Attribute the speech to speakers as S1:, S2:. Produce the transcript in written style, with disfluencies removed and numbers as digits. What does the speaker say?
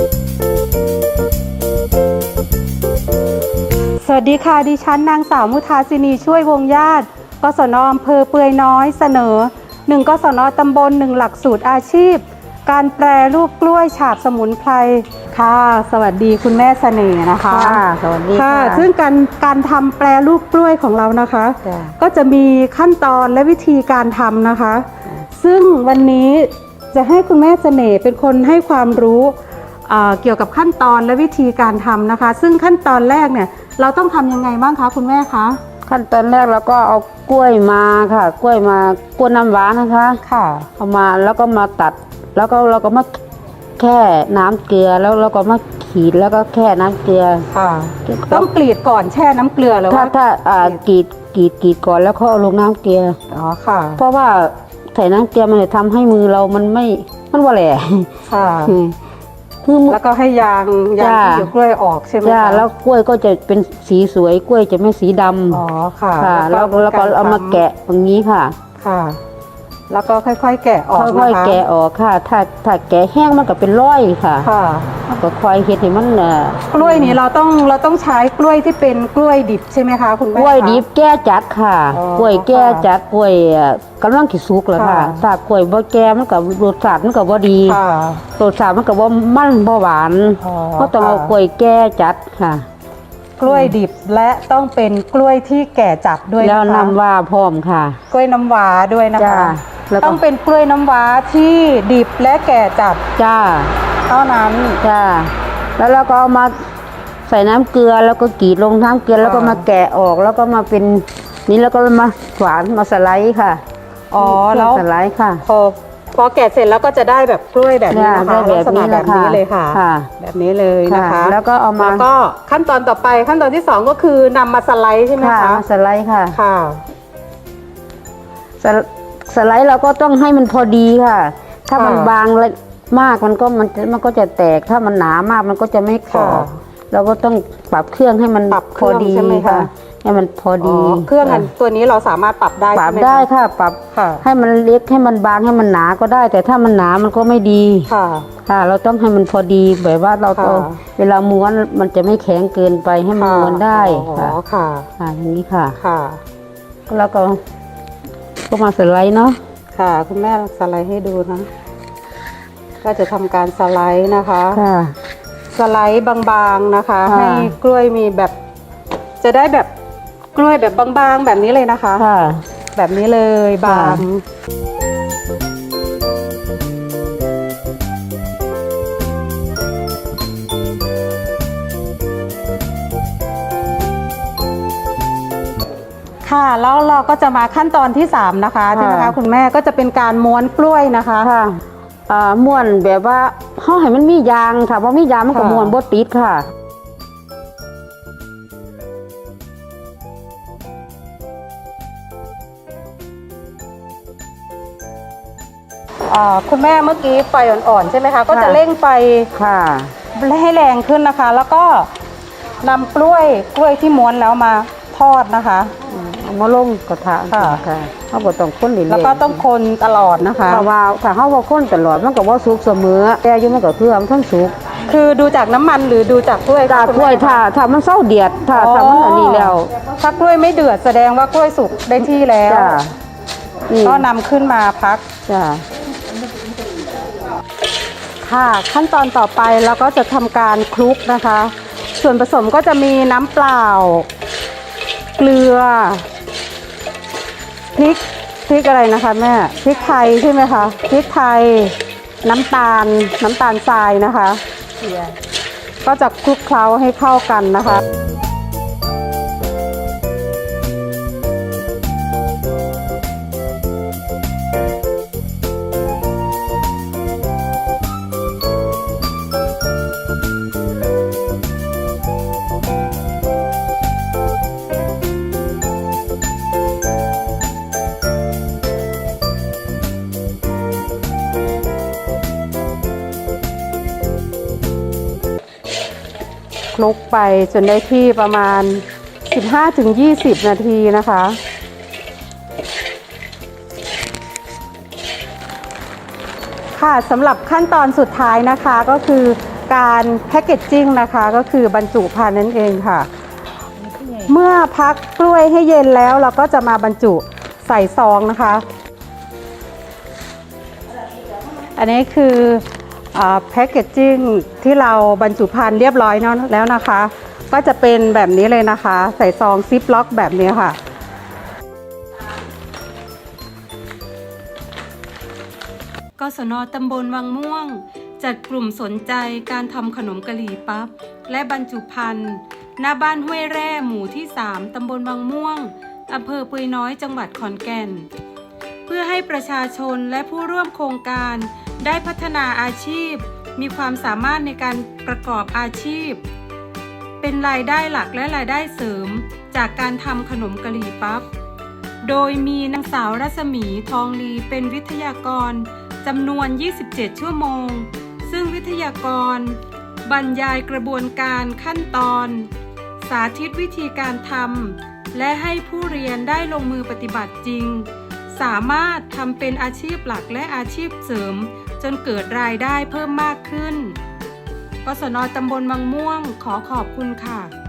S1: สวัสดีค่ะดิฉันนางสาวมุทาสินีช่วยวงญาติกศน.อำเภอเปือยน้อยเสนอ1 กศน.ตำบล1 หลักสูตรอาชีพการแปรรูปกล้วยฉาบสมุนไพรค่ะสวัสดีคุณแม่เสน่ห์นะคะ
S2: สวัสดี
S1: ค่ะซึ่งการทำแปรรูปกล้วยของเรานะคะก็จะมีขั้นตอนและวิธีการทำนะคะซึ่งวันนี้จะให้คุณแม่เสน่ห์เป็นคนให้ความรู้เกี่ยวกับขั้นตอนและวิธีการทำนะคะซึ่งขั้นตอนแรกเนี่ยเราต้องทำยังไงบ้างคะคุณแม่คะ
S2: ขั้นตอนแรกเราก็เอากล้วยมาค่ะกล้วยน้ำว้านะคะ
S1: ค่ะ
S2: เอามาแล้วก็มาตัดแล้วก็เราก็มาแค่น้ำเกลือแล้วเราก็มาขีดแล้วก็แค่น้ำเกลือ
S1: ค่ะต้องกรีดก่อนแช่น้ำเกลือหรือว่า
S2: ถ้ากรีดก่อนแล้วเขาเอาลงน้ำเกลือ
S1: อ๋อค่ะ
S2: เพราะว่าใส่น้ำเกลือมันจะทำให้มือเรามันว่าแหละ
S1: ค่ะแล้วก็ให้ยางที่อยู่กล้วยออกใช่ไหมคะ
S2: แล้วกล้วยก็จะเป็นสีสวยกล้วยจะไม่สีดำ
S1: อ๋อค่ะ
S2: แล้วก็เอามาแกะอย่างนี้ค่ะ
S1: ค่ะแล้วก็ค่อยๆแกะออกนะคะ
S2: ค่อยๆแกะออกค่ะถ้าแกะแห้งมันก็เป็นร้อยค่ะ
S1: ค่ะ
S2: ก็คอยเฮ็ดให้มัน
S1: กล้วยนี้เราต้องใช้กล้วยที่เป็นกล้วยดิบใช่ไหมคะคุณแม่
S2: กล้วยดิบแก่จัดค่ะกล้วยแก่จัดกล้วยกำลังสิสุกแล้วค่ะถ้ากล้วยบ่แก่มันก็รสชาติมันก็บ่ดีรสชาติมันก็บ่มันบ่หวานก็ต้องเอากล้วยแก่จัดค่ะ
S1: กล้วยดิบและต้องเป็นกล้วยที่แก่จัดด้วย
S2: แล้วน้ำว้าพร้อมค่ะ
S1: กล้วยน้ำว้าด้วยนะคะต้องเป็นกล้วยน้ำว้าที่ดิบและแก่จัด
S2: จ้า
S1: เท่านั้น
S2: จ้าแล้วเราก็เอามาใส่น้ำเกลือแล้วก็กรีดลงน้ำเกลือแล้วก็มาแกะออกแล้วก็มาเป็นนี้แล้วก็มาฝานมาสไลด์ค่ะ
S1: อ๋อแล้ว
S2: สไลด์ค่ะ
S1: พอแกะเสร็จแล้วก็จะได้แบบกล้วยแบบนี้นะคะลักษณะแบบนี้เลยค่ะแบบนี้เลยนะคะ
S2: แล้วก็เอามา
S1: แล้วก็ขั้นตอนต่อไปขั้นตอนที่2ก็คือนำมาสไลด์ใช่ไหมคะ
S2: สไลด์ค่ะ
S1: ค่ะ
S2: สไลด์เราก็ต้องให้มันพอดีค่ะถ้ามันบางมากมันก็จะแตกถ้ามันหนามากมันก็จะไม่กรอบเราก็ต้องปรับเครื่องให้มันพอดีค่ะให้มันพอดี
S1: เครื่องตัวนี้เราสามารถปรับได้
S2: ปรับได้ค่ะปรับให้มันเล็กให้มันบางให้มันหนาก็ได้ แต่ถ้ามันหนามันก็ไม่ดีค่ะเราต้องให้มันพอดีแบบว่าเราเวลาม้วนมันจะไม่แข็งเกินไปให้มันม้วนได้ค่ะอย่างนี้ค่ะแล้วก็มาสไลด์เนาะ
S1: ค่ะคุณแม่สไลด์ให้ดูนะก็จะทำการสไลด์นะคะสไลด์บางๆนะคะให้กล้วยมีแบบจะได้แบบกล้วยแบบบางๆแบบนี้เลยนะคะแบบนี้เลยบางค่ะแล้วเราก็จะมาขั้นตอนที่3นะคะใช่ไหมคะคุณแม่ก็จะเป็นการม้วนกล้วยนะคะ
S2: ม้วนแบบว่าห่อให้มันมียางค่ะเพราะมียางมันก็ม้วนบ่ติดค่ะ
S1: คุณแม่เมื่อกี้ไฟอ่อนๆใช่ไหมคะก็จะเร่งไฟให้แรงขึ้นนะคะแล้วก็นำกล้วยที่ม้วนแล้วมาทอดนะคะ
S2: มาลงกระทะค่ะเขาบอกต้องคน
S1: แล้วก็ต้องคนตลอดนะคะ
S2: เพราะว่าถ้าเขาว่าคนตลอดมันก็ว่าสุกเสมอแต่ยุ่มันก็คือมันทั้งสุก
S1: คือดูจากน้ำมันหรือดูจากกล้วย
S2: ถ้ามันเศร้าเดือดถ้ามันอันนี้แล้ว
S1: ถ้ากล้วยไม่เดือดแสดงว่ากล้วยสุกได้ที่แล้วก็นำขึ้นมาพักค่ะขั้นตอนต่อไปเราก็จะทำการคลุกนะคะส่วนผสมก็จะมีน้ำเปล่าเกลือพริกอะไรนะคะแม่พริกไทยใช่ไหมคะพริกไทยน้ำตาลทรายนะคะก็จะคลุกเคล้าให้เข้ากันนะคะคลุกไปจนได้ที่ประมาณ 15-20 นาทีนะคะค่ะสำหรับขั้นตอนสุดท้ายนะคะก็คือการแพคเกจจิ้งนะคะก็คือบรรจุภัณฑ์นั่นเองค่ะ เมื่อพักกล้วยให้เย็นแล้วเราก็จะมาบรรจุใส่ซองนะคะ อันนี้คือแพคเกจจิ้งที่เราบรรจุภัณฑ์เรียบร้อยแล้วนะคะ ก็จะเป็นแบบนี้เลยนะคะ ใส่ซองซิปล็อกแบบนี้ค่ะกศน.ตำบลวังม่วงจัดกลุ่มสนใจการทำขนมกะหรี่ปั๊บและบรรจุภัณฑ์หน้าบ้านห้วยแร่หมู่ที่ 3 ตำบลวังม่วงอำเภอปุยน้อยจังหวัดขอนแก่นเพื่อให้ประชาชนและผู้ร่วมโครงการได้พัฒนาอาชีพมีความสามารถในการประกอบอาชีพเป็นรายได้หลักและรายได้เสริมจากการทำขนมกะหรี่ปั๊บโดยมีนางสาวรัศมีทองลีเป็นวิทยากรจำนวน 27 ชั่วโมงซึ่งวิทยากรบรรยายกระบวนการขั้นตอนสาธิตวิธีการทำและให้ผู้เรียนได้ลงมือปฏิบัติจริงสามารถทำเป็นอาชีพหลักและอาชีพเสริมจนเกิดรายได้เพิ่มมากขึ้นกศน.ตำบลวังม่วงขอขอบคุณค่ะ